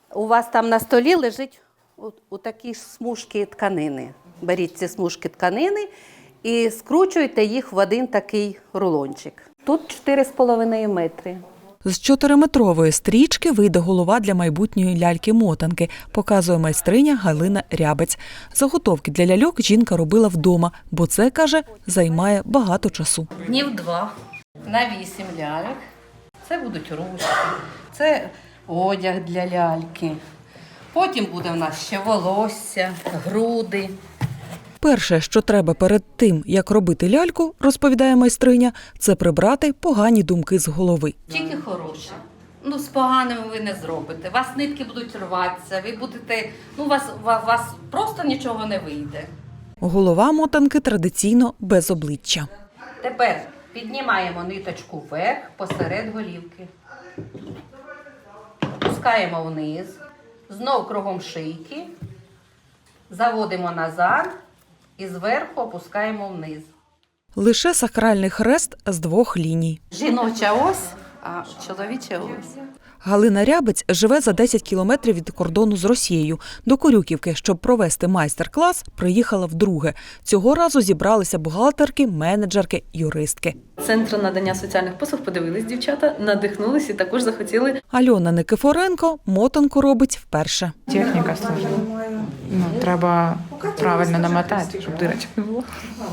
У вас там на столі лежить у такі смужки тканини. Беріть ці смужки тканини і скручуйте їх в один такий рулончик. Тут 4,5 метри. З 4-метрової стрічки вийде голова для майбутньої ляльки-мотанки, показує майстриня Галина Рябець. Заготовки для ляльок жінка робила вдома, бо це, каже, займає багато часу. Днів 2 на 8 ляльок. Це будуть ручки, це одяг для ляльки. Потім буде в нас ще волосся, груди. Перше, що треба перед тим, як робити ляльку, розповідає майстриня, це прибрати погані думки з голови. Тільки хороші. З поганими ви не зробите. У вас нитки будуть рватися, ви будете, у вас просто нічого не вийде. Голова мотанки традиційно без обличчя. Тепер піднімаємо ниточку вверх посеред голівки. Опускаємо вниз, знов кругом шийки, заводимо назад і зверху опускаємо вниз. Лише сакральний хрест з 2 ліній. Жіноча ось, а чоловіча ось. Галина Рябець живе за 10 кілометрів від кордону з Росією. До Корюківки, щоб провести майстер-клас, приїхала вдруге. Цього разу зібралися бухгалтерки, менеджерки, юристки. Центр надання соціальних послуг подивились дівчата, надихнулись і також захотіли. Альона Никифоренко мотанку робить вперше. Техніка сложна. Треба правильно намотати, щоб дирочок не було.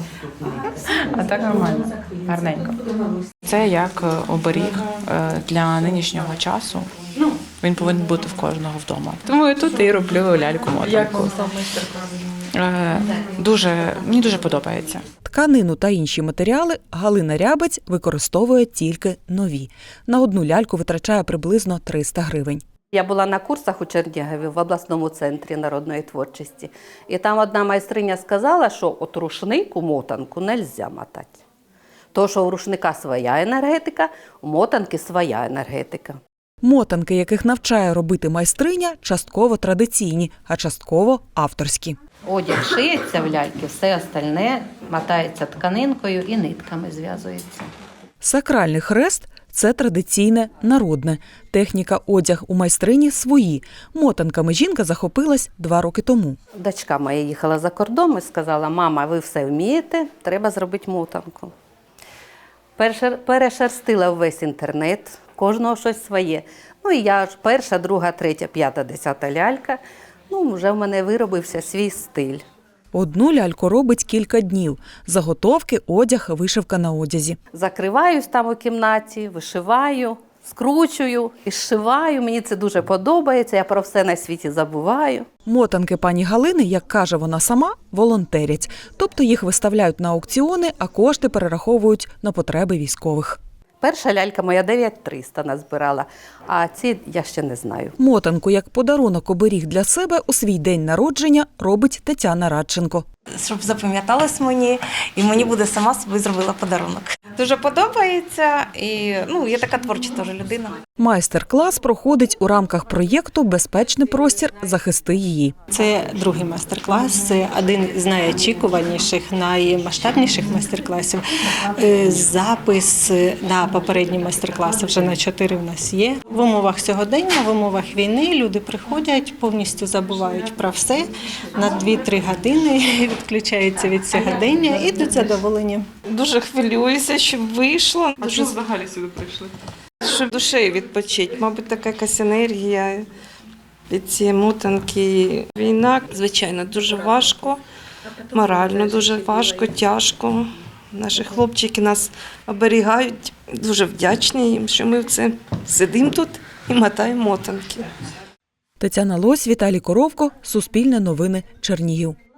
А так нормально, гарненько. Це як оберіг для нинішнього часу. Він повинен бути в кожного вдома. Тому я тут і роблю ляльку-мотанку. Як вам сам майстер-клас? Мені дуже подобається. Тканину та інші матеріали Галина Рябець використовує тільки нові. На одну ляльку витрачає приблизно 300 гривень. Я була на курсах у Чернігові в обласному центрі народної творчості. І там одна майстриня сказала, що от рушник у мотанку не можна мотати. Тому що у рушника своя енергетика, у мотанки своя енергетика. Мотанки, яких навчає робити майстриня, частково традиційні, а частково авторські. Одяг шиється в ляльки, все остальне мотається тканинкою і нитками зв'язується. Сакральний хрест – це традиційне, народне. Техніка, одяг у майстрині свої. Мотанками жінка захопилась 2 роки тому. Дочка моя їхала за кордон і сказала: мама, ви все вмієте, треба зробити мотанку. Перешерстила весь інтернет, кожного щось своє. І я ж 1, 2, 3, 5, 10 лялька, вже в мене виробився свій стиль. Одну ляльку робить кілька днів. Заготовки, одяг, вишивка на одязі. Закриваюсь там у кімнаті, вишиваю, скручую і зшиваю. Мені це дуже подобається, я про все на світі забуваю. Мотанки пані Галини, як каже вона сама, волонтерять. Тобто їх виставляють на аукціони, а кошти перераховують на потреби військових. Перша лялька моя 9300 назбирала, а ці я ще не знаю. Мотанку як подарунок оберіг для себе у свій день народження робить Тетяна Радченко. Щоб запам'яталось мені, і мені буде сама собі зробила подарунок. Дуже подобається, і я така творча теж людина. Майстер-клас проходить у рамках проєкту «Безпечний простір. Захисти її». Це другий майстер-клас, це один з найочікуваніших, наймасштабніших майстер-класів. Запис на попередні майстер-класи вже на 4 в нас є. В умовах сьогодення, в умовах війни люди приходять, повністю забувають про все. На 2-3 години відключаються від сьогодення і йдуть задоволені. Дуже хвилююся, щоб вийшло. А що взагалі сюди прийшли? Щоб душею відпочити. Мабуть, така якась енергія від цієї мотанки. Війна, звичайно, дуже важко, морально дуже важко, тяжко. Наші хлопчики нас оберігають. Дуже вдячні їм, що ми сидимо тут і мотаємо мотанки. Тетяна Лось, Віталій Коровко, Суспільне новини, Чернігів.